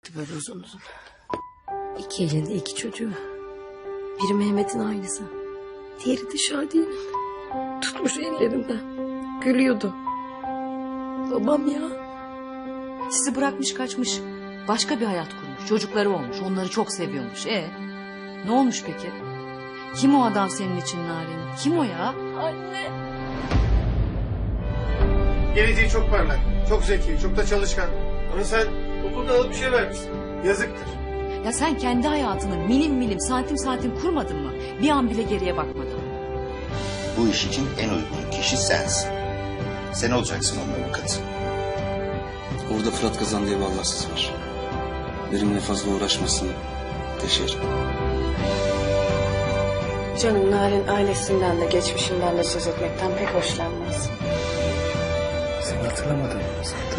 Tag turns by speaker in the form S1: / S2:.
S1: Böyle uzun uzun. İki elinde iki çocuğu. Biri Mehmet'in aynısı. Diğeri de Şadiye'nin. Tutmuş ellerinden. Gülüyordu. Babam ya.
S2: Sizi bırakmış kaçmış. Başka bir hayat kurmuş. Çocukları olmuş. Onları çok seviyormuş. Ne olmuş peki? Kim o adam senin için Narin? Kim o ya?
S1: Anne.
S3: Geleceği çok parlak, çok zeki, çok da çalışkan. Ama sen okulda alıp bir şey vermişsin. Yazıktır.
S2: Ya sen kendi hayatını milim milim santim santim kurmadın mı? Bir an bile geriye bakmadın.
S4: Bu iş için en uygun kişi sensin. Sen olacaksın onun avukatı.
S5: Orada Fırat Kazan diye bir Allahsız var. Benimle fazla uğraşmasın. Deşerim.
S1: Canım Narin ailesinden de geçmişinden de söz etmekten pek hoşlanmaz.
S5: Seni hatırlamadım.